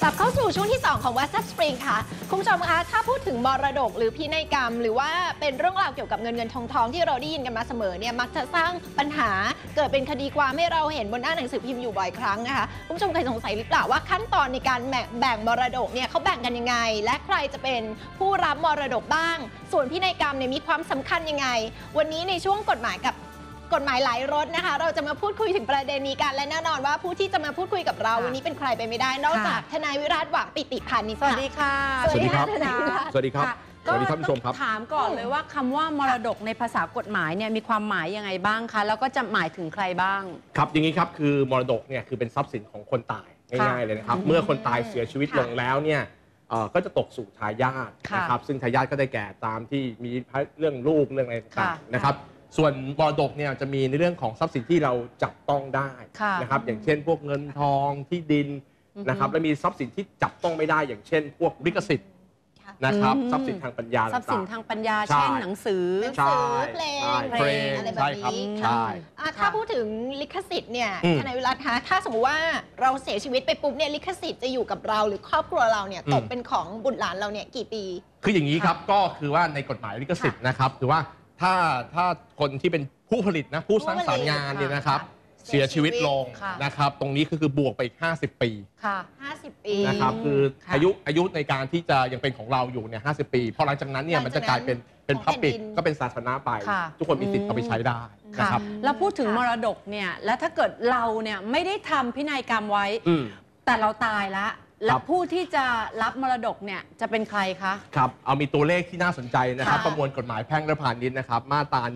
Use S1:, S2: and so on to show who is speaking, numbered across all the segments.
S1: กลับเข้าสู่ช่วงที่ 2 ของ WhatsApp Spring ค่ะคุณผู้ชมคะถ้าพูดถึงมรดกหรือพินัยกรรมหรือว่าเป็นเรื่องราวเกี่ยวกับเงินทองที่เราได้ยินกันมาเสมอเนี่ยมักจะสร้างปัญหาเกิดเป็นคดีความให้เราเห็นบนหน้าหนังสือพิมพ์อยู่บ่อยครั้งนะคะคุณผู้ชมเคยสงสัยหรือเปล่าว่าขั้นตอนในการแบ่งมรดกเนี่ยเขาแบ่งกันยังไงและใครจะเป็นผู้รับมรดกบ้างส่วนพินัยกรรมเนี่ยมีความสำคัญยังไงวันนี้ในช่วงกฎหมายหลายรถนะคะเราจะมาพูดคุยถึงประเด็นนี้กันและแน่นอนว่าผู้ที่จะมาพูดคุยกับเราวันนี้เป็นใครไปไม่ได้นอกจากทนายวิราชหวังปิติพานิชสวัสดีค่ะ
S2: สวัสดีครับ
S1: ทนายวิราช
S2: สวัสดีครับสวัสดีท่านผู้ชมครับ
S3: ถามก่อนเลยว่าคำว่ามรดกในภาษากฎหมายเนี่ยมีความหมายยังไงบ้างคะแล้วก็จะหมายถึงใครบ้าง
S2: ครับอย่างนี้ครับคือมรดกเนี่ยคือเป็นทรัพย์สินของคนตายง่ายๆเลยนะครับเมื่อคนตายเสียชีวิตลงแล้วเนี่ยก็จะตกสู่ทายาทนะครับซึ่งทายาทก็ได้แก่ตามที่มีเรื่องลูกเรื่องอะไรต่างๆนะครับส่วนมรดกเนี่ยจะมีในเรื่องของทรัพย์สินที่เราจับต้องได้นะครับอย่างเช่นพวกเงินทองที่ดินนะครับและมีทรัพย์สินที่จับต้องไม่ได้อย่างเช่นพวกลิขสิทธิ์นะครับทรัพย์สินทางปัญญา
S3: ทรัพย์สินทางปัญญาเช่นหนังสือ
S1: เพลงอะไรแบบนี้ถ้าพูดถึงลิขสิทธิ์เนี่ยทนายวิรัตคะถ้าสมมติว่าเราเสียชีวิตไปปุ๊บเนี่ยลิขสิทธิ์จะอยู่กับเราหรือครอบครัวเราเนี่ยตกเป็นของบุตรหลานเราเนี่ยกี่ปี
S2: คืออย่างนี้ครับก็คือว่าในกฎหมายลิขสิทธิ์นะครับคือว่าถ้าคนที่เป็นผู้ผลิตนะผู้สร้างสรรค์งานเนี่ยนะครับเสียชีวิตลงนะครับตรงนี้คือบวกไปอีก50 ปี
S1: ค่ะ50 ปี
S2: นะครับคืออายุในการที่จะยังเป็นของเราอยู่เนี่ย50 ปีพอหลังจากนั้นเนี่ยมันจะกลายเป็นพับปิกก็เป็นสาธารณะไปทุกคนมีสิทธิ์เอาไปใช้ได้นะครับ
S3: แล้วพูดถึงมรดกเนี่ยแล้วถ้าเกิดเราเนี่ยไม่ได้ทำพินัยกรรมไว้แต่เราตายแล้วผู้ที่จะรับมรดกเนี่ยจะเป็นใครคะ
S2: ครับเอามีตัวเลขที่น่าสนใจนะครับประมวลกฎหมายแพ่งและพาณิชย์นะครับมาตรา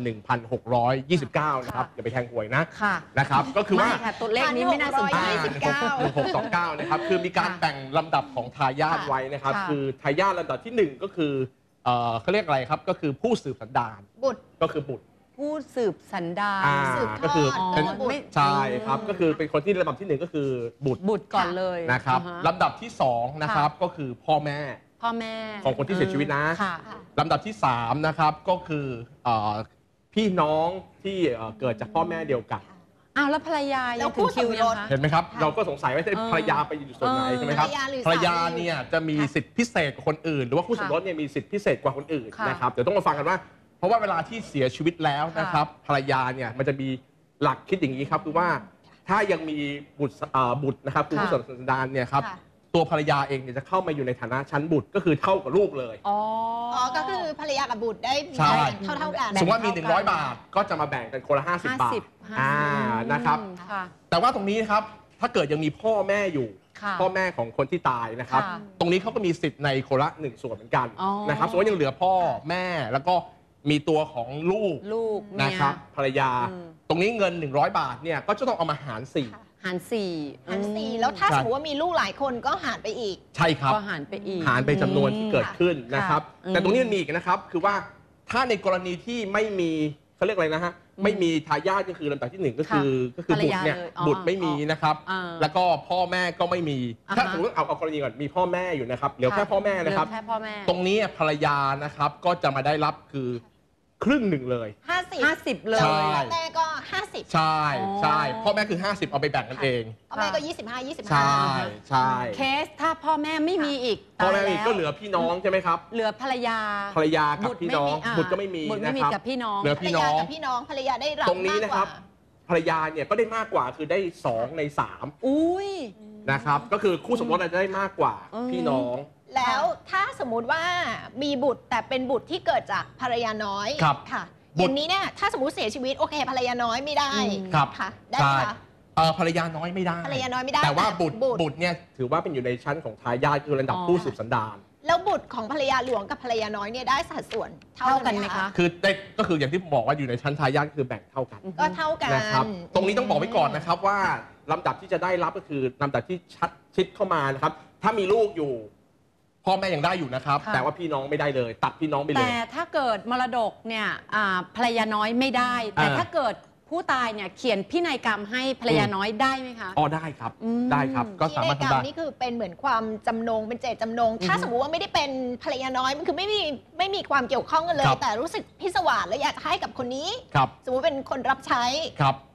S2: 1629นะครับอย่าไปแทงหวยนะครับก็คือว่า
S3: ตัวเลขนี้ไม่น่าสนใจ
S2: 1629นะครับคือมีการแบ่งลำดับของทายาทไว้นะครับคือทายาทลำดับที่1ก็คือเขาเรียกอะไรครับก็คือผู้สืบสันดาน
S1: บุตร
S2: ก็คือบุตร
S3: ผู้สืบสันดาน
S2: ก็คือใช่ครับก็คือเป็นคนที่ลำดับที่1ก็คือบุตร
S3: ก่อนเลย
S2: นะครับลำดับที่2นะครับก็คือพ่อแม่ของคนที่เสียชีวิตนะลำดับที่3นะครับก็คือพี่น้องที่เกิดจากพ่อแม่เดียวกัน
S3: แล้วภรรยายังถึงคิวยังคะ
S2: เห็นไหมครับเราก็สงสัยว่าภรรยาไปอยู่ส่วนไหนใช่ไหมครับภรรยาเนี่ยจะมีสิทธิพิเศษกว่าคนอื่นหรือว่าคู่สมรสเนี่ยมีสิทธิพิเศษกว่าคนอื่นนะครับเดี๋ยวต้องมาฟังกันว่าเพราะว่าเวลาที่เสียชีวิตแล้วนะครับภรรยาเนี่ยมันจะมีหลักคิดอย่างนี้ครับคือว่าถ้ายังมีบุตรนะครับคือผู้สืบสันดานเนี่ยครับตัวภรรยาเองเนี่ยจะเข้ามาอยู่ในฐานะชั้นบุตรก็คือเท่ากับลูกเลย
S1: ก็คือภรรยากับบุตรได้เท่ากัน
S2: สมมติว่ามี100 บาทก็จะมาแบ่งกันคนละ50 บาทนะครับแต่ว่าตรงนี้นะครับถ้าเกิดยังมีพ่อแม่อยู่พ่อแม่ของคนที่ตายนะครับตรงนี้เขาก็มีสิทธิ์ในคนละ1 ส่วนเหมือนกันนะครับสมมติยังเหลือพ่อแม่แล้วก็มีตัวของลูกนะครับภรรยาตรงนี้เงิน100 บาทเนี่ยก็จะต้องเอามาหาร4
S1: แล้วถ้าสมมติว่ามีลูกหลายคนก็หารไปอีก
S2: ใช่ครับ
S3: ก็หารไปอีก
S2: หารไปจำนวนที่เกิดขึ้นนะครับแต่ตรงนี้มันมีอีกนะครับคือว่าถ้าในกรณีที่ไม่มีเขาเรียกอะไรนะฮะไม่มีทายาทก็คือลำดับที่1ก็คือบุตรเนี่ยบุตรไม่มีนะครับแล้วก็พ่อแม่ก็ไม่มีถ้าสมมติเอากรณีก่อนมีพ่อแม่อยู่นะครับเหลือแค่พ่อแม่นะครับตรงนี้ภรรยานะครับก็จะมาได้รับคือครึ่งหนึ่งเลย
S3: 50เลย
S1: แม่ก็50
S2: ใช่พ่อแม่คือ50เอาไปแบ่งกันเอง
S1: พ่อแม่ก็25
S2: ใช่
S3: เคสถ้าพ่อแม่ไม่มีอีก
S2: พ่อแม่ก็เหลือพี่น้องใช่ไหมครับ
S3: เหลือภรรยา
S2: กับพี่น้องบุตรก็ไม่มี
S3: นะครับกับพี่น้อง
S2: เหลือพี่น้อง
S1: ภรรยาได้รับ
S2: ตรงนี้นะครับภรรยาเนี่ยก็ได้มากกว่าคือได้2 ใน 3นะครับก็คือคู่สมรสจะได้มากกว่าพี่น้อง
S1: แล้วถ้าสมมุติว่ามีบุตรแต่เป็นบุตรที่เกิดจากภรรยาน้อยค่ะอย่างนี้เนี่ยถ้าสมมติเสียชีวิตโอเคภรรยาน้อยไม่ได้ค่ะได้ไหมคะ
S2: ภรรยาน้อยไม่ได้แต่ว่าบุตรเนี่ยถือว่าเป็นอยู่ในชั้นของทายาทคือระดับผู้สืบสันดาน
S1: แล้วบุตรของภรรยาหลวงกับภรรยาน้อยเนี่ยได้สัดส่วนเท่ากันไหมคะ
S2: คือก็คืออย่างที่บอกว่าอยู่ในชั้นทายาทคือแบ่งเท่ากัน
S1: ก็เท่ากัน
S2: นะครับตรงนี้ต้องบอกไว้ก่อนนะครับว่าลำดับที่จะได้รับก็คือลำดับที่ชิดเข้ามานะครับถ้ามีลูกอยู่พ่อแม่ยังได้อยู่นะครับแต่ว่าพี่น้องไม่ได้เลยตัดพี่น้องไปเลย
S3: แต่ถ้าเกิดมรดกเนี่ยภรรยาน้อยไม่ได้แต่ถ้าเกิดผู้ตายเนี่ยเขียนพินัยกรรมให้ภรรยาน้อยได้ไหมคะ
S2: ได้ครับได้ครับก็สามารถ
S1: ทำได้นี่คือเป็นเหมือนความจำนงเป็นเจตจำนงถ้าสมมติว่าไม่ได้เป็นภรรยาน้อยมันคือไม่มีความเกี่ยวข้องกันเลยแต่รู้สึกพิศวาสแล้วอยากให้กับคนนี้สมมติเป็นคนรับใช้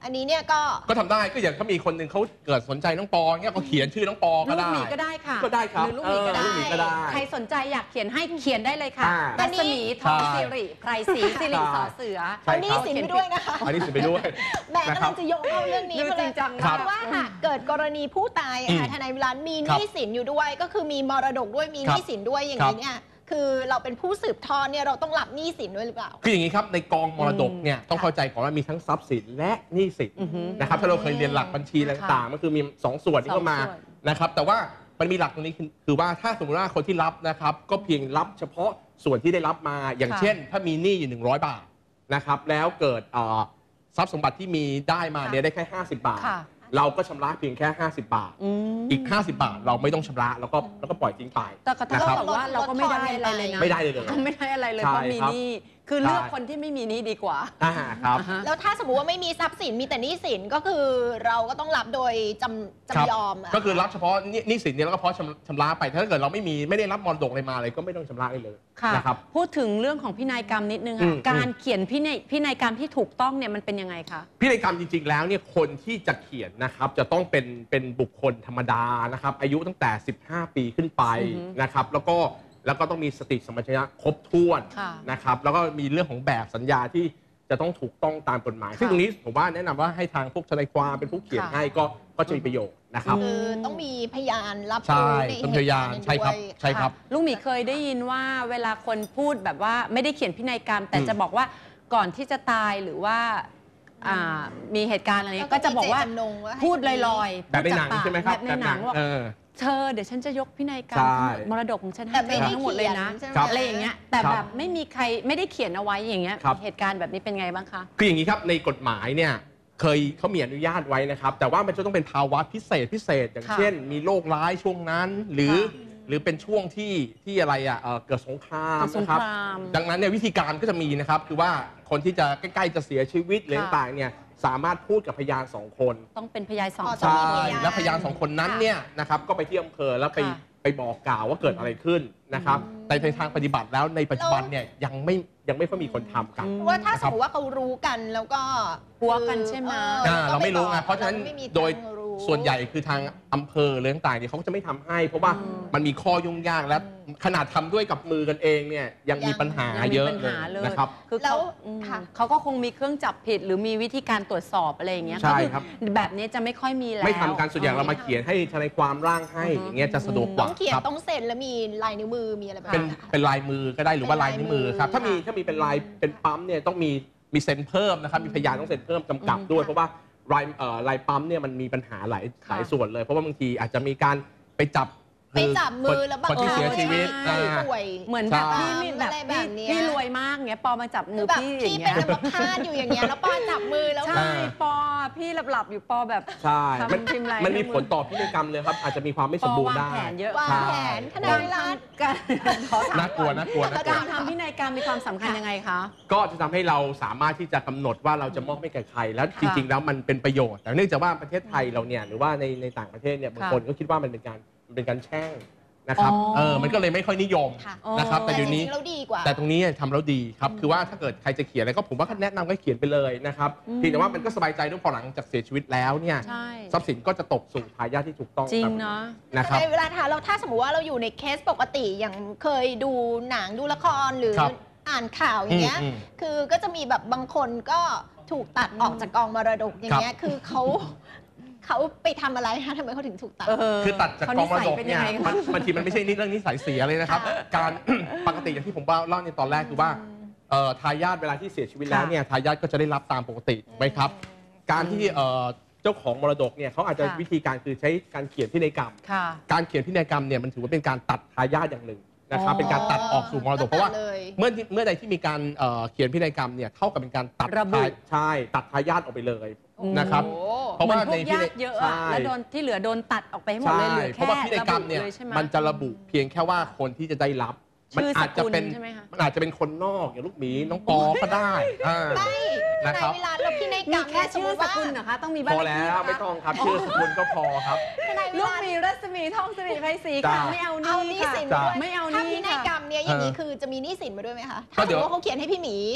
S1: อันนี้เนี่ยก็
S2: ทำได้ก็อย่างเขามีคนหนึ่งเขาเกิดสนใจน้องปอเนี่ยเขาเขียนชื่อน้องปอก็ได้
S3: ลูกหมีก็ได้ค่ะ
S2: ก็ได้ครับ
S3: หรือลูกหมีก็ได้
S2: ลูกหมีก็ได้
S3: ใครสนใจอยากเขียนให้เขียนได้เลยค่ะ รัศมีทองสิริไพรศรีสิริสอเสือ
S1: เอาหนี้สินไปด้วยนะคะ
S2: อันนี้สิไปด้วย
S1: แหม่กำลังจะโยงเข้าเรื่องนี้
S3: ดูจริงจัง
S1: เพราะว่าหากเกิดกรณีผู้ตายอะค่ะทนายวิรันมีหนี้สินอยู่ด้วย ก็คือมีมรดกด้วยมีหนี้สินด้วยอย่างนี้เนี่ยคือเราเป็นผู้สืบทอดเนี่ยเราต้องรับหนี้สินด้วยหรือเปล่า
S2: คืออย่างนี้ครับในกองมรดกเนี่ยต้องเข้าใจก่อนว่ามีทั้งทรัพย์สินและหนี้สินนะครับถ้าเราเคยเรียนหลักบัญชีต่างๆมันคือมี2ส่วนที่เข้ามานะครับแต่ว่ามันมีหลักตรงนี้คือว่าถ้าสมมติว่าคนที่รับนะครับก็เพียงรับเฉพาะส่วนที่ได้รับมาอย่างเช่นถ้ามีหนี้อยู่100 บาทนะครับแล้วเกิดทรัพย์สมบัติที่มีได้มาเนี่ยได้แค่50 บาทเราก็ชำระเพียงแค่50 บาทอีก50 บาทเราไม่ต้องชำระแล้วก็ปล่อยทิ้งไป
S3: แต่ก็ต้องบอกว่าเราก็ไม่ได้อะไรเลยนะ
S2: ไม่ได้เลย
S3: ก็ไม่ได้อะไรเลยเพราะมีหนี้คือเลือกคนที่ไม่มีหนี้ดีกว่า
S2: ครับ
S1: แล้วถ้าสมมติว่าไม่มีทรัพย์สินมีแต่หนี้สินก็คือเราก็ต้องรับโดยจำยอม
S2: ก็คือรับเฉพาะหนี้สินเนี่ยแล้วก็เพราะชำระไปถ้าเกิดเราไม่ได้รับมรดกอะไรมาเลยก็ไม่ต้องชำระเลยนะครับ
S3: พูดถึงเรื่องของพินัยกรรมนิดนึงค่ะการเขียนพินัยกรรมที่ถูกต้องเนี่ยมันเป็นยังไงคะ
S2: พินัยกรรมจริงๆแล้วเนี่ยคนที่จะเขียนนะครับจะต้องเป็นบุคคลธรรมดานะครับอายุตั้งแต่15 ปีขึ้นไปนะครับแล้วก็ต้องมีสติสัมปชัญญะครบถ้วนนะครับแล้วก็มีเรื่องของแบบสัญญาที่จะต้องถูกต้องตามกฎหมายซึ่งตรงนี้ผมว่าแนะนำว่าให้ทางพวกทนายความเป็นผู้เขียนให้ก็จะมีประโยชน์นะครับ
S1: คือต้องมีพยานรับ
S2: รู้ในเหตุการณ์ใช่ครับ
S3: ลุงหมีเคยได้ยินว่าเวลาคนพูดแบบว่าไม่ได้เขียนพินัยกรรมแต่จะบอกว่าก่อนที่จะตายหรือว่ามีเหตุการณ์อะไรก็จะบอกว่าพูดลอยๆ
S2: แบบในหนังใช่ไหมครับ
S3: แบบในหนังว่าเธอเดี๋ยวฉันจะยกพินัยกรรมมรดกของฉันให้เธอทั้งหมดเลยนะอะไรอย่างเงี้ยแต่แบบไม่มีใครไม่ได้เขียนเอาไว้อย่างเงี้ยเหตุการณ์แบบนี้เป็นไงบ้างคะ
S2: คืออย่างนี้ครับในกฎหมายเนี่ยเขามีอนุญาตไว้นะครับแต่ว่ามันจะต้องเป็นภาวะพิเศษอย่างเช่นมีโรคร้ายช่วงนั้นหรือเป็นช่วงที่อะไรเกิดสงครามนะครับดังนั้นเนี่ยวิธีการก็จะมีนะครับคือว่าคนที่จะใกล้ๆจะเสียชีวิตหรือต่างๆเนี่ยสามารถพูดกับพยาน2 คน
S3: ต้องเป็นพยาน2 คน
S2: ใช่แล้วพยาน2 คนนั้นเนี่ยนะครับก็ไปที่อำเภอแล้วไปบอกกล่าวว่าเกิดอะไรขึ้นนะครับแต่ในทางปฏิบัติแล้วในปัจจุบันเนี่ยยังไม่ค่อยมีคนทำกัน
S1: ว่าถ้าสมมติว่าเขารู้กันแล้วก็
S3: หัวกันใช่ไหม
S2: เราไม่รู้ไงเพราะฉะนั้นโดยส่วนใหญ่คือทางอำเภอหรือต่างๆเนี่ยเขาก็จะไม่ทำให้เพราะว่ามันมีข้อยุ่งยากและขนาดทำด้วยกับมือกันเองเนี่ยยังมีปัญหาเยอะเลยนะครับ
S3: คือเขาก็คงมีเครื่องจับผิดหรือมีวิธีการตรวจสอบอะไรอย่างเงี้ย
S2: ใช่ครับ
S3: แบบนี้จะไม่ค่อยมีแล้ว
S2: ไม่ทำการส่วนใหญ่เรามาเขียนให้ทนายความร่างให้อย่างเงี้ยจะสะดวกกว่า
S1: ต้องเขียนต้องเซ็นแล้วมีลายนิ้วมือมีอะไรแบบ
S2: เป็นลายมือก็ได้หรือว่าลายนิ้วมือครับถ้ามีเป็นลายเป็นปั๊มเนี่ยต้องมีเซ็นเพิ่มนะครับมีพยานต้องเซ็นเพิ่มกำกับด้วยเพราะว่าลายปั๊มเนี่ยมันมีปัญหาหลายส่วนเลยเพราะว่าบางทีอาจจะมีการไปจับ
S1: มือแล้วบาง
S2: คนที่เสียชีวิต
S3: เหมือนแบบพี่รวยมากเงี้ยปอมาจับมือพี่อย่างเงี้ย
S1: พี่เป็นอัมพาตอยู่อย่างเงี้ยแล้วปอจับมือแล้ว
S3: ใช่ปอพี่หลับอยู่ปอแบบ
S2: ใช่มันมีผลต่อพินัยกรรมเลยครับอาจจะมีความไม่สมบูรณ์ได้
S3: วางแผนเยอะ
S1: วางแผนทนายรัฐ
S2: น่ากลัว
S3: การทำพินัยกรรมมีความสำคัญยังไงคะ
S2: ก็จะทำให้เราสามารถที่จะกำหนดว่าเราจะมอบให้แก่ใครแล้วจริงๆแล้วมันเป็นประโยชน์แต่เนื่องจากว่าประเทศไทยเราเนี่ยหรือว่าในต่างประเทศเนี่ยบางคนก็คิดว่ามันเป็นการแช่งนะครับมันก็เลยไม่ค่อยนิยมนะครับแต่เดี๋ยวนี้แต่ตรงนี้ทำแล้วดีครับคือว่าถ้าเกิดใครจะเขียนอะไรก็ผมว่าแนะนำก็เขียนไปเลยนะครับเพียงแต่ว่ามันก็สบายใจด้วยพอหลังจากเสียชีวิตแล้วเนี่ยทรัพย์สินก็จะตกสู่ทายาทที่ถูกต้อง
S3: จริงเนาะ
S2: นะครับ
S1: ในเวลาเราถ้าสมมติว่าเราอยู่ในเคสปกติอย่างเคยดูหนังดูละครหรืออ่านข่าวอย่างเงี้ยคือก็จะมีแบบบางคนก็ถูกตัดออกจากกองมรดกอย่างเงี้ยคือเขาไปทำอะไรคะทำไมเขาถึงถูกตัด
S2: คือตัดจากกองมรดกเนี่ยบางทีมันไม่ใช่เรื่องนิสัยเสียเลยนะครับการปกติอย่างที่ผมเล่าในตอนแรกคือว่าทายาทเวลาที่เสียชีวิตแล้วเนี่ยทายาทก็จะได้รับตามปกติไหมครับการที่เจ้าของมรดกเนี่ยเขาอาจจะวิธีการคือใช้การเขียนพินัยกรรมการเขียนพินัยกรรมเนี่ยมันถือว่าเป็นการตัดทายาทอย่างหนึ่งนะครับเป็นการตัดออกสู่มรดกเพราะว่าเมื่อใดที่มีการเขียนพินัยกรรมเนี่ยเท่ากับเป็นการตัดตัดทายาทออกไปเลยนะครับ
S3: เพราะว่าในพินัยเยอะแล้วโดนที่เหลือโดนตัดออกไปหมดเลยเหลือแค่
S2: เพราะว่าพินัยกรรมเนี่ยมันจะระบุเพียงแค่ว่าคนที่จะได้รับมันอาจจะเป็นคนนอกอย่างลูกหมีน้องปอก็ได้
S1: นะครับในเวลาเราพินัยกรรม
S3: แค่ชื่อสกุลนะคะต้องมีบ้าน
S2: พอแล้วไม่ต้องครับชื่อสกุลก็พอครับ
S3: ลูกหมีรัศมีทองสิริไพศรีค่ะไม่เอาหนี้ค่ะ
S1: ไม่เอาหนี้ถ้าพินัยกรรมเนี่ยอย่างนี้คือจะมีหนี้สินมาด้วยไหมคะถ้าสมมติว่าเขาเขียนให้พี่หมี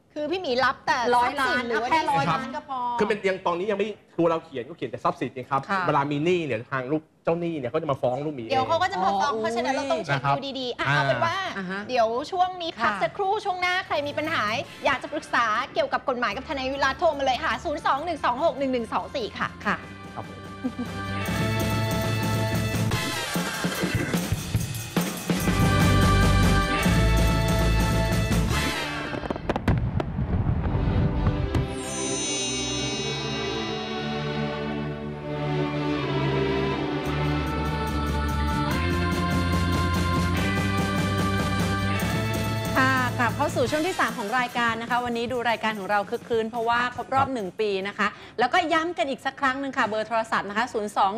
S1: คือพี่หมีรับแต่
S3: 100 ล้าน
S1: หรือว่า
S3: แค่
S1: หนี้
S3: 100 ล้านก็พอ
S2: คือเป็นยังตอนนี้ยังไม่ตัวเราเขียนก็เขียนแต่ทรัพย์สินนะครับ
S3: ค่ะ
S2: เวลามีหนี้เนี่ยทางลูกเจ้าหนี้เนี่ยเขาจะมาฟ้องลูกหมี
S1: เดี๋ยวเขาก็จะมาฟ้อง
S3: อ๋อ
S1: เพราะฉะนั้นเราต้องเช็ค
S2: นะครับ
S1: ดูดีๆเอาเป็นว่า
S3: อ่าฮะ
S1: เดี๋ยวช่วงนี้พัก
S3: ค่ะ
S1: สักครู่ช่วงหน้าใครมีปัญหา อยากจะปรึกษาเกี่ยวกับกฎหมายกับทนายวิรัตโทรมาเลยค่ะ 021261124 ค่ะ
S3: ค่ะ
S2: ครับผม
S3: ค่ะกลับเข้าสู่ช่วงที่ 3 ของรายการนะคะ วันนี้ดูรายการของเราคึกคืนเพราะว่าครบรอบ 1 ปีนะคะ แล้วก็ย้ำกันอีกสักครั้งหนึ่งค่ะ เบอร์โทรศัพท์นะคะ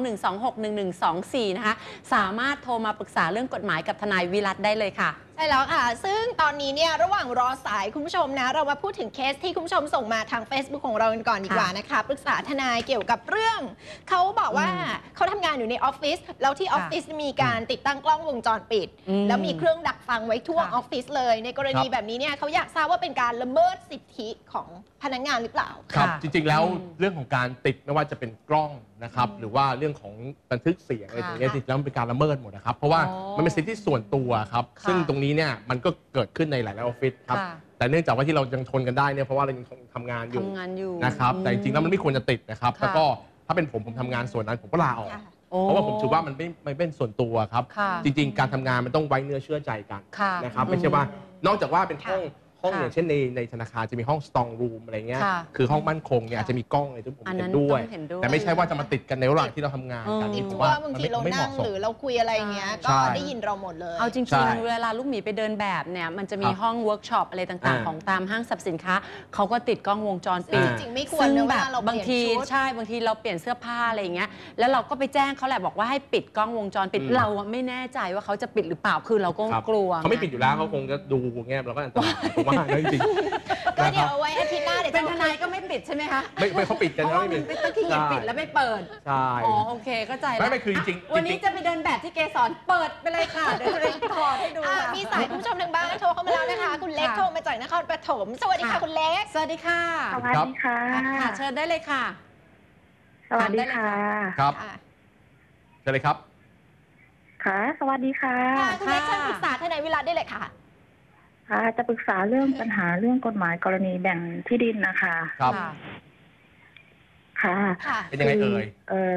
S3: 021261124 นะคะ สามารถโทรมาปรึกษาเรื่องกฎหมายกับทนายวิรัตได้เลยค่ะ
S1: ใช่แล้วค่ะ ซึ่งตอนนี้เนี่ยระหว่างรอสายคุณผู้ชมนะ เรามาพูดถึงเคสที่คุณผู้ชมส่งมาทาง Facebook ของเรากันก่อนดีกว่านะคะ ปรึกษาทนายเกี่ยวกับเรื่อง เขาบอกว่าเขาทำงานอยู่ในออฟฟิศ แล้วที่ออฟฟิศมีการติดตั้งกล้องวงจรปิด แล้วมีเครื่องดักฟังไว้ทั่ว
S3: ค่ะ
S1: ออฟฟิศเลย ในกรณีแบบนี้เนี่ยเขาอยากทราบว่าเป็นการละเมิดสิทธิของพนักงานหรือเปล่า
S2: ครับ
S3: ค่ะ
S2: จริงๆแล้ว
S3: อืม
S2: เรื่องของการติดไม่ว่าจะเป็นกล้องนะครับหรือว่าเรื่องของบันทึกเสียงอะไรตรงนี้
S1: ค่ะ
S2: จริงๆแล้วมันเป็นการละเมิดหมดนะครับเพราะว่า
S3: อ๋อ
S2: มันเป็นสิทธิส่วนตัวครับ
S3: ค่ะ
S2: ซึ่งตรงนี้เนี่ยมันก็เกิดขึ้นในหลายๆออฟฟิศครับ
S3: ค่ะ
S2: แต่เนื่องจากว่าที่เรายังทนกันได้เนี่ยเพราะว่าเรายังทำงานอยู่
S3: ทำงานอยู่
S2: นะครับแต่จริงๆแล้วมันไม่ควรจะติดนะครับ
S3: ค่ะ
S2: แล้วก็ถ้าเป็นผมทำงานส่วนนั้นผมก็ลาออก
S1: ค่ะ
S3: โอ้
S2: เพราะว่าผมถือว่ามันไม่เป็นส่วนตัวครับ
S3: ค่ะ
S2: จริงๆ การทำงานมันต้องไว้เนื้อเชื่อใจกัน
S3: ค่ะ
S2: นะครับไม่ใช่ว่านอกจากว่าเป็นห้อง
S3: ค่ะ
S2: อย่างเช่นในธนาคารจะมีห้อง strong room อะไรเงี้ย
S3: ค่ะ
S2: คือห้องมั่นคงเนี่ย
S1: ค่ะ
S2: อาจจะมีกล้องอะไรที่ผม
S3: อันนั้
S2: เห็
S3: น
S2: นด้วย
S3: ต้องเห็นด้วย
S2: แต่ไม่ใช่ว่าจะมาติดกันในระหว่างที่เราทำงานกัน
S3: อืม
S2: นี่
S1: เพ
S2: ผม
S1: ราะ
S2: ว่า
S1: ว่าบางทีเรา
S2: ไม่เห
S1: นั่ง
S2: มาะส
S1: ห
S2: ม
S1: รือเราคุยอะไรอย่างเงี้ย
S2: ใช่
S1: ก็ได้ยินเราหมดเลย
S3: เอาจริ
S2: ใช่
S3: งๆ เวลาลูกหมีไปเดินแบบเนี่ยมันจะมี
S2: ครับ
S3: ห้องเวิร์กช็อปอะไรต่าง
S2: อ่า
S3: ๆ ของตามห้างสรรพสินค้าเขาก็ติดกล้องวงจรปิด
S1: จริงๆไม่ควร
S3: ซึ่ง
S1: นะเว
S3: แบบ
S1: ลาเราเป
S3: บาง
S1: ลี่ยน
S3: ที
S1: ชุด
S3: ใช่บางทีเราเปลี่ยนเสื้อผ้าอะไรอย่างเงี้ยแล้วเราก็ไปแจ้งเขาแหละบอกว่าให้ปิดกล้องวงจรปิด เราอะไม่แน่ใจว่าเขาจะปิดหรือเปล่าคือเราก็
S2: ครับ
S3: กลัว
S2: เขาไม่ปิดอยู่แล้วเขาคงจะดูเงี้ยเราก็อันตรายผมว่านะจริงๆ
S1: ก็
S2: นะค
S1: เดี๋
S2: รั
S1: ยว
S2: บ
S1: เอาไว้อาทิตย์หน้าเดี๋ยว
S3: เป็น
S1: จะ
S3: ทนายก็ไม่ปิดใช่ไหมคะ
S2: ไม่เขาปิดกัน
S3: เพราะ
S2: แล้ว
S3: ว่า
S2: ไม่
S3: มัน
S2: มี
S3: ไม่ต้องขี้เกียจปิดแล้วไม่เปิด
S2: ใช่
S3: อ๋อโอเคเข้าใจแล้ว
S2: ไม่คือจริงๆ
S3: วันนี้
S2: จริงๆ
S3: จะไปเดินแบบที่เกสรเปิดไปเลยค่ะเดี๋ยวจะไปถอดให้ดู
S1: อ่ะ
S3: ค่ะ
S1: มีสายคุณผู้ชมทางบ้านโทรเข้ามาแล้วนะคะ คุณเล็ก
S3: ค่ะ
S1: โทรมาจากนครปฐมสวัสดีค่ะ
S3: ค่ะ
S1: คุณเล็ก
S3: สวัสดีค่ะ
S4: สวัสดีค่ะ
S3: ค่ะเชิญได้เลยค่ะ
S4: สวัสดีค่ะ
S2: ครับ
S1: ค่ะ
S2: เชิญเลยครับ
S4: ค่ะ สวัสดีค่ะ
S1: ค่ะคุณเล็กเชิญปรึกษาทนายวิรัตได้เลยค่ะ
S4: ค่ะ จะปรึกษาเรื่องปัญหาเรื่องกฎหมายกรณีแบ่งที่ดินนะคะ
S2: ครับ
S4: ค่ะ
S1: ค่ะ
S2: เป็นยังไงเอ่ย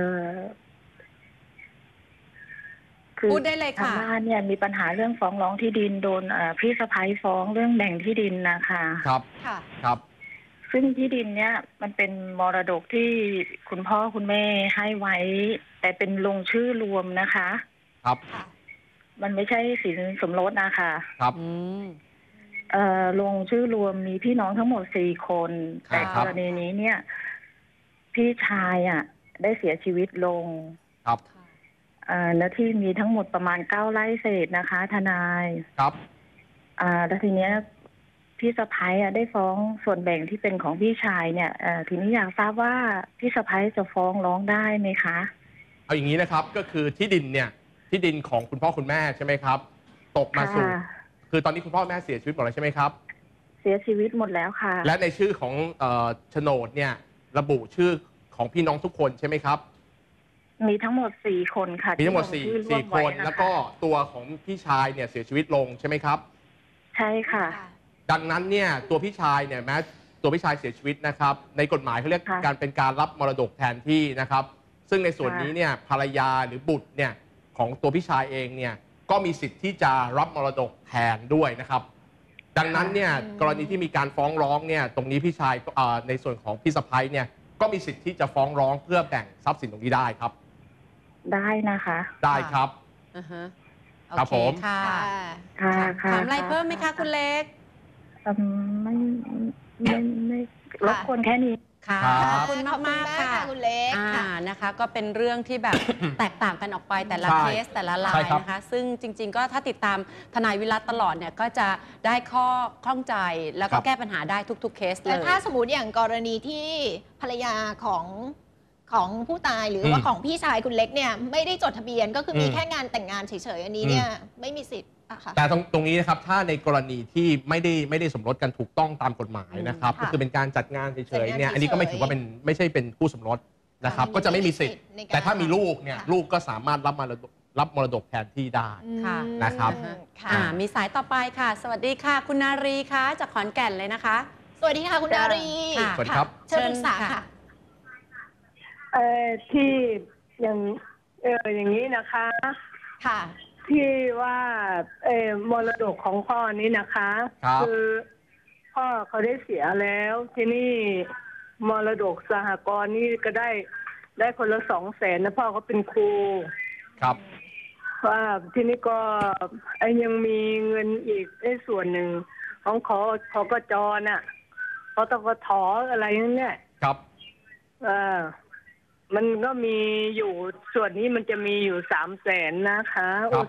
S4: คือ
S3: พูดได้เลย
S4: ทาง
S3: ค่ะ
S4: บ้านเนี่ยมีปัญหาเรื่องฟ้องร้องที่ดินโดนพี่สะพ้ายฟ้องเรื่องแบ่งที่ดินนะคะ
S2: ครับ
S1: ค่ะ
S2: ครับ
S4: ซึ่งที่ดินเนี่ยมันเป็นมรดกที่คุณพ่อคุณแม่ให้ไว้ แต่เป็นลงชื่อรวมนะคะ
S2: ครับ
S1: ค่ะ
S4: มันไม่ใช่สินสมรสนะคะ
S2: ครับ
S3: อืม
S4: ลงชื่อรวมมีพี่น้องทั้งหมด4 คน
S2: ครั
S4: แต่
S2: บ
S4: กรณีนี้เนี่ย พี่ชายได้เสียชีวิตลง
S2: ครับ
S4: เนื้อที่มีทั้งหมดประมาณ9 ไร่เศษนะคะ ทนาย
S2: ครับ
S4: แล้วทีเนี้ยพี่สะพ้ายได้ฟ้องส่วนแบ่งที่เป็นของพี่ชายเนี่ยทีนี้อยากทราบว่าพี่สะพ้ายจะฟ้องร้องได้ไหมคะ
S2: เอาอย่างนี้นะครับก็คือที่ดินเนี่ยที่ดินของคุณพ่อคุณแม่ใช่ไหมครับ ตกมาสู่
S4: ค่ะ
S2: คือตอนนี้คุณพ่อแม่เสียชีวิตหมดแล้วใช่ไหมครับ
S4: เสียชีวิตหมดแล้วค่ะ
S2: และในชื่อของโฉนดเนี่ยระบุชื่อของพี่น้องทุกคนใช่ไหมครับ
S4: มีทั้งหมด4 คนค่ะ
S2: มีทั้งหมด
S4: ที่ลชื่อร่ว
S2: สี่
S4: ม
S2: ค
S4: ไว้
S2: น
S4: นะคะ
S2: แล้วก็ตัวของพี่ชายเนี่ยเสียชีวิตลงใช่ไหมครับ
S4: ใช่ค่ะ
S2: ดังนั้นเนี่ยตัวพี่ชายเนี่ยแม้ตัวพี่ชายเสียชีวิตนะครับในกฎหมายเขาเรียก
S4: ค่ะ
S2: การเป็นการรับมรดกแทนที่นะครับซึ่งในส่วน
S4: ค่ะ
S2: นี้เนี่ยภรรยาหรือบุตรเนี่ยของตัวพี่ชายเองเนี่ยก็มีสิทธิ์ที่จะรับมรดกแทนด้วยนะครับ ดังนั้นเนี่ยกรณีที่มีการฟ้องร้องเนี่ยตรงนี้พี่ชายในส่วนของพี่สะใภ้เนี่ยก็มีสิทธิ์ที่จะฟ้องร้องเพื่อแบ่งทรัพย์สินตรงนี้ได้ครับ
S4: ได้นะคะ
S2: ได้ครับ
S3: อ่าฮะ
S2: ครับ
S3: โอเ
S2: ผม
S3: ค่ะ
S1: ค่ะ
S4: ค่ะค่ะ
S3: ถามอะไรเพิ่มไหมคะคุณเล็ก
S4: ไม่รบกวนแค่นี้
S3: ค่ะ
S2: ครับ
S3: ขอบคุณมากๆค่ะ
S1: คุณเล็กค่ะ
S3: นะคะก็เป็นเรื่องที่แบบ แตกต่างกันออกไปแต่ละ
S2: ใช่
S3: เคสแต่ละรา
S2: ใช่
S3: ย
S2: ครับ
S3: นะคะ ซึ่งจริง ๆ ก็ถ้าติดตามทนายวิรัตตลอดเนี่ยก็จะได้ข้อข้องใจแล้วก็แก้ปัญหาได้ทุกๆเคสเล
S1: แต่
S3: ย
S1: ถ้าสมมติอย่างกรณีที่ภรรยาของของผู้ตายหรือว่าของพี่ชายคุณเล็กเนี่ยไม่ได้จดทะเบียนก็คือมีแค่งานแต่งงานเฉยๆอันนี้เนี่ยไม่มีสิทธิ์อะค่ะ
S2: แต่ตรงนี้นะครับถ้าในกรณีที่ไม่ได้สมรสกันถูกต้องตามกฎหมายนะครับก็คือเป็นการจัดงานเฉยๆเนี่ยอันนี้ก็ไม่ถือว่าไม่ใช่เป็นคู่สมรสนะครับก็จะไม่มีสิทธิ์แต่ถ้ามีลูกเนี่ยลูกก็สามารถรับมรดกแทนที่ได้
S3: ค่ะ
S2: นะครับ
S3: มีสายต่อไปค่ะ สวัสดีค่ะ คุณนารีคะจากขอนแก่นเลยนะคะ
S1: สวัสดีค่ะคุณนารี
S2: สวัสดีครับ
S1: เชิญปรึกษาค่ะ
S5: ที่อย่างนี้นะคะ
S1: ค่ะ
S5: ที่ว่ามรดกของพ่อนี้นะคะ
S2: ครับ
S5: คือพ่อเขาได้เสียแล้วที่นี่มรดกสหกรณ์นี่ก็ได้คนละ200,000นะพ่อเขาเป็นครู
S2: ครับ
S5: ว่าที่นี่ก็ยังมีเงินอีกส่วนหนึ่งของขกจน่ะขตกถอะไรนั่นเนี่ย
S2: ครับ
S5: มันก็มีอยู่ส่วนนี้มันจะมีอยู่300,000นะคะ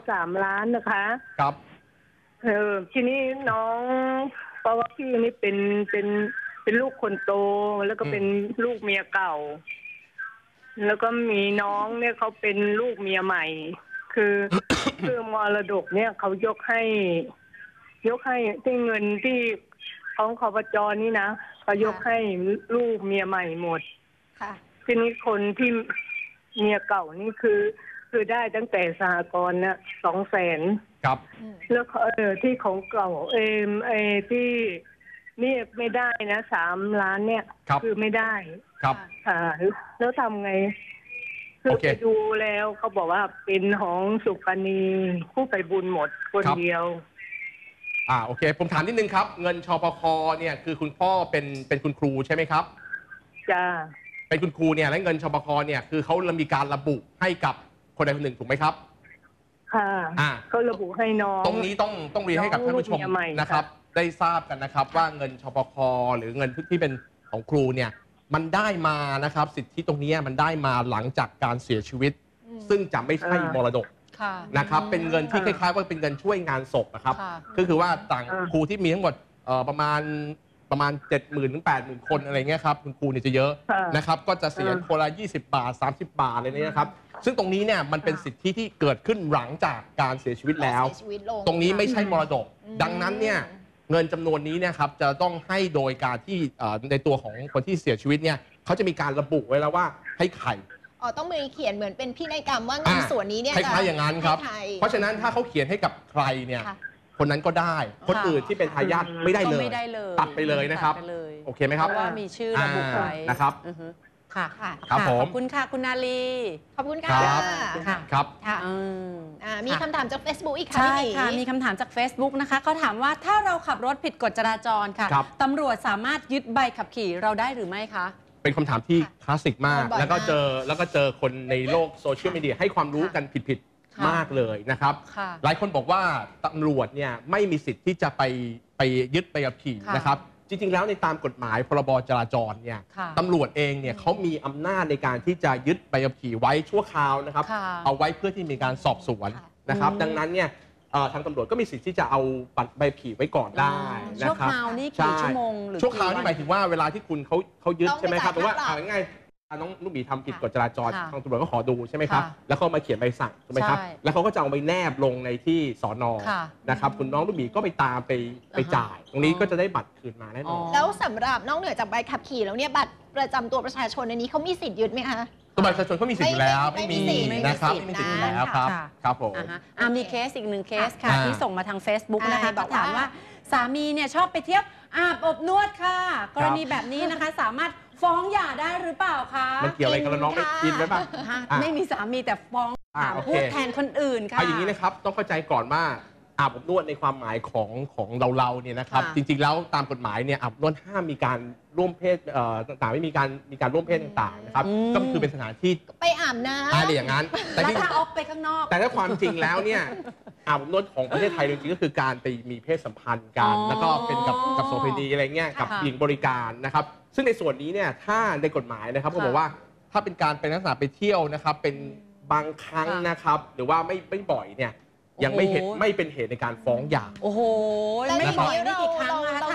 S5: 3 ล้านนะคะ
S2: ครับ
S5: ทีนี้น้องเพราะว่าพี่นี่เป็นลูกคนโตแล้วก็เป็นลูกเมียเก่า แล้วก็มีน้องเนี่ยเขาเป็นลูกเมียใหม่ คือมรดกเนี่ยเขายกให้ที่เงินที่ของคปจนี่นะเขายกให้ลูกเมียใหม่หมด
S1: ค่ะ
S5: ทีนี้คนที่เมียเก่านี่คือได้ตั้งแต่สหกรณ์เนี่ย200,000
S2: ครับ
S5: แล้วที่ของเก่าที่นี่ไม่ได้นะ3 ล้านเนี่ย
S2: ครับ
S5: คือไม่ได้
S2: ครับ
S5: แล้วทำไงคือไปดูแล้วเขาบอกว่าเป็นของสุปณีผู้ไปบุญหมดคนเดียว
S2: โอเคผมถามนิดนึงครับเงินชปคเนี่ยคือคุณพ่อเป็นคุณครูใช่ไหมครับ
S5: จ้า
S2: เป็นคุณครูเนี่ยและเงินชปคเนี่ยคือเขามีการระบุให้กับคนใดคนหนึ่งถูกไหมครับ
S5: ค่ะก็ระบุให้น้อง
S2: ตรงนี้ต้องเรียนให้กับท่านผู้ชมนะครับได้ทราบกันนะครับว่าเงินชปคหรือเงินที่เป็นของครูเนี่ยมันได้มานะครับสิทธิตรงนี้มันได้มาหลังจากการเสียชีวิต ซึ่งจะไม่ใช่มรดกนะครับเป็นเงินที่คล้ายๆว่าเป็นเงินช่วยงานศพนะครับก็คือว่าต่างครูที่มีทั้งหมดประมาณ 70,000 ถึง 80,000 คนอะไรเงี้ยครับคุณครูเนี่ยจะเยอะนะครับก็จะเสียคนละ20 บาท30 บาทอะไรเนี้ยครับซึ่งตรงนี้เนี่ยมันเป็นสิทธิที่เกิดขึ้นหลังจากการเสียชีวิตแล้วตรงนี้ไม่ใช่มรดกดังนั้นเนี่ยเงินจำนวนนี้เนี่ยครับจะต้องให้โดยการที่ในตัวของคนที่เสียชีวิตเนี่ยเขาจะมีการระบุไว้แล้วว่าให้ใคร
S1: ต้องมีเขียนเหมือนเป็นพินัยกรรมว่าเงินส่วนนี้เนี่ย
S2: คล้ายๆอย่างนั้นครับเพราะฉะนั้นถ้าเขาเขียนให้กับใครเนี่ยคนนั้นก็ได้คนอื่นที่เป็นทายาทไม่ได้เลยตัดไปเลยนะครับโอเคไหมครับ
S3: เพราะว่ามีชื่อระบุไว้
S2: นะครับ
S3: ค่ะ
S2: ครับผม
S3: ขอบคุณค่ะคุณนาลี
S1: ขอบคุณค่ะ
S2: ครับ
S1: มีคำถามจาก Facebook อีกค่ะ
S3: ใช่ค่ะมีคำถามจาก Facebook นะคะเขาถามว่าถ้าเราขับรถผิดกฎจราจรค่ะตำรวจสามารถยึดใบขับขี่เราได้หรือไม่คะ
S2: เป็นคำถามที่คลาสสิกมากแล้วก็เจอคนในโลกโซเชียลมีเดียให้ความรู้กันผิดมากเลยนะครับหลายคนบอกว่าตำรวจเนี่ยไม่มีสิทธิ์ที่จะไปยึดใบขับขี่นะครับจริงๆแล้วในตามกฎหมายพรบจราจรเนี่ยตำรวจเองเนี่ยเขามีอำนาจในการที่จะยึดใบขับขี่ไว้ชั่วคราวนะครับเอาไว้เพื่อที่มีการสอบสวนนะครับดังนั้นเนี่ยทางตำรวจก็มีสิทธิ์ที่จะเอาบัตรใบขับขี่ไว้ก่อนได้นะครับ
S3: ชั่วคราวนี่กี่ชั่วโมงหรือ
S2: ชั่วคราวนี่หมายถึงว่าเวลาที่คุณเขายึดใช่ไหมครับแต่ว่าง่ายน้องลูกหมีทำผิดกฎจราจรทางตำรวจก็ขอดูใช่ไหมครับแล้วเขามาเขียนใบสั่งใช่ไหมครับแล้วเขาก็จะเอาไปแนบลงในที่สน.นะครับคุณน้องลูกหมีก็ไปตามไปจ่ายตรงนี้ก็จะได้บัตรคืนมาแน่นอน
S1: แล้วสำหรับนอกเหนือจากใบขับขี่แล้วเนี่ยบัตรประจำตัวประชาชนในนี้เขามีสิทธิ์ยึดไหมคะ
S2: ตัวบัตรประชาชนเขามีสิทธิ์อยู่แล้วไม่มีนะครับไม่มีสิทธิ์อยู่แล้วครับผม
S3: มีเคสอีก1เคสค่ะที่ส่งมาทาง Facebook นะคะก็ถามว่าสามีเนี่ยชอบไปเที่ยวอาบอบนวดค่ะกรณีแบบนี้นะคะสามารถฟ้องหย่าได้หรือเปล่าคะ
S2: มันเกี่ยวอะไรกับน้องไม่กินไหมป่ะ
S3: ไม่มีสามีแต่ฟ้องพูดแทนคนอื่นค่ะ
S2: อย่างนี้นะครับต้องเข้าใจก่อนว่าอาบอบนวดในความหมายของเราเนี่ยนะครับจริงๆแล้วตามกฎหมายเนี่ยอาบอบนวดห้ามมีการร่วมเพศต่างๆไม่มีการร่วมเพศต่างๆนะครับก็คือเป็นสถานที่
S1: ไปอาบน้ำ
S2: อะไรอย่างนั้น
S3: แต่ถ้าออกไปข้างนอก
S2: แต่ถ้าความจริงแล้วเนี่ยอาบอบนวดของประเทศไทยจริงๆก็คือการไปมีเพศสัมพันธ์กันแล้วก็เป็นกับโสเภณีอะไรเงี้ยกับหญิงบริการนะครับซึ่งในส่วนนี้เนี่ยถ้าในกฎหมายนะครับเขาบอกว่าถ้าเป็นการเป็นลักษณะไปเที่ยวนะครับเป็นบางครั้งนะครับหรือว่าไม่บ่อยเนี่ยยังไม่เป็นเหตุในการฟ้องหย่า
S3: โอ้โหไม่บ่อยนี่กี่ครั้งนะคะถ้า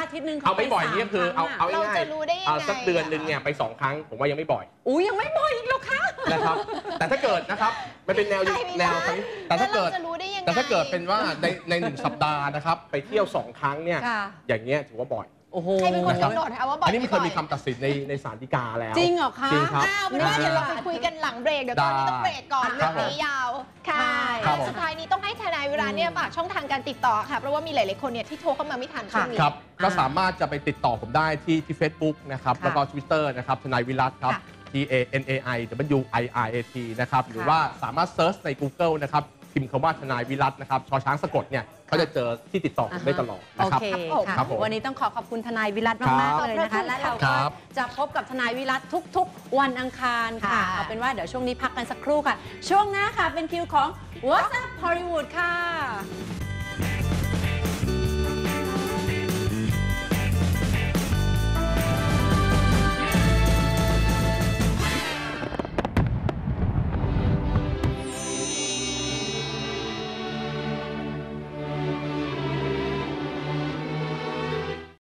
S3: อาทิตย์นึง
S2: เอาไม่บ่อยนี่ก็คือเอา
S1: เรา
S2: ง่าย
S1: จะรู้ได้ยังไง
S2: สักเดือนหนึ่งเนี่ยไป2 ครั้งผมว่ายังไม่บ่อย
S3: อุ้ยยังไม่บ่อยอีกเหรอคะ
S2: นะครับ แต่ถ้าเกิดนะครับมันเป็นแนว
S1: ใช่ไม่
S2: แน
S1: ได้
S2: วแต่ถ้าเกิด
S1: แล้วเราจะรู้ได้ยังไง
S2: แต่ถ้าเกิดเป็นว่าใน1 สัปดาห์นะครับไปเที่ยว2 ครั้งเนี่ย
S3: ค่ะ
S2: อย่างเงี้ยถือว่าบ่อย
S3: โอ้โห
S1: ใครเป็นคนกำหนดคะว่าบ่อย
S2: อันนี้มันเคย
S1: ไบ่
S2: มีคำตัดสินในศาลฎีกาแล้ว
S3: จริงเหรอคะ
S2: จริงครับ
S1: อ้าวเป็นว่าเดี๋ยวเราไปคุยกันหลังเบรกเดี๋ยวตอนนี้ต้องเบรกก่อน
S2: ค
S1: เรื่
S2: รั
S1: อบ ง
S2: ผม
S1: นี้ยาวค่ะ
S2: ครับผม
S1: สุดท้ายนี้ต้องให้ทนายเวลาเนี่ยฝากช่องทางการติดต่อค่ะเพราะว่ามีหลายๆคนเนี่ยที่โทรเข้ามาไม่ทันช่วงนี้
S2: ครับก็สามารถจะไปติดต่อผมได้ที่ Facebook นะครับ
S3: ค่ะ
S2: แล้วก็ Twitter นะครับทนายวิรัตครับ
S1: ค่ะ
S2: TANAIWIRAT นะครับหรือว่าสามารถเซิร์ชใน Google นะครับพิมพ์คำว่าทนายวิรัตนะครับชอช้างสะกดเนี่ยก็จะเจอที่ติดต่อผมได้ตลอด
S3: โอ
S2: นะครับ
S3: เค
S2: ครับผม
S3: วันนี้ต้องขอบคุณทนายวิรัต
S1: ครั
S3: มาก
S1: บ
S3: ๆเลยนะคะ และเรา
S2: ค
S3: ก็
S2: รับ
S3: จะพบกับทนายวิรัตทุกๆ วันอังคารค่ะ
S1: ค่ะ
S3: เอาเป็นว่าเดี๋ยวช่วงนี้พักกันสักครู่ค่ะ ช่วงหน้าค่ะเป็นคิวของ What's Up Hollywood ค่ะ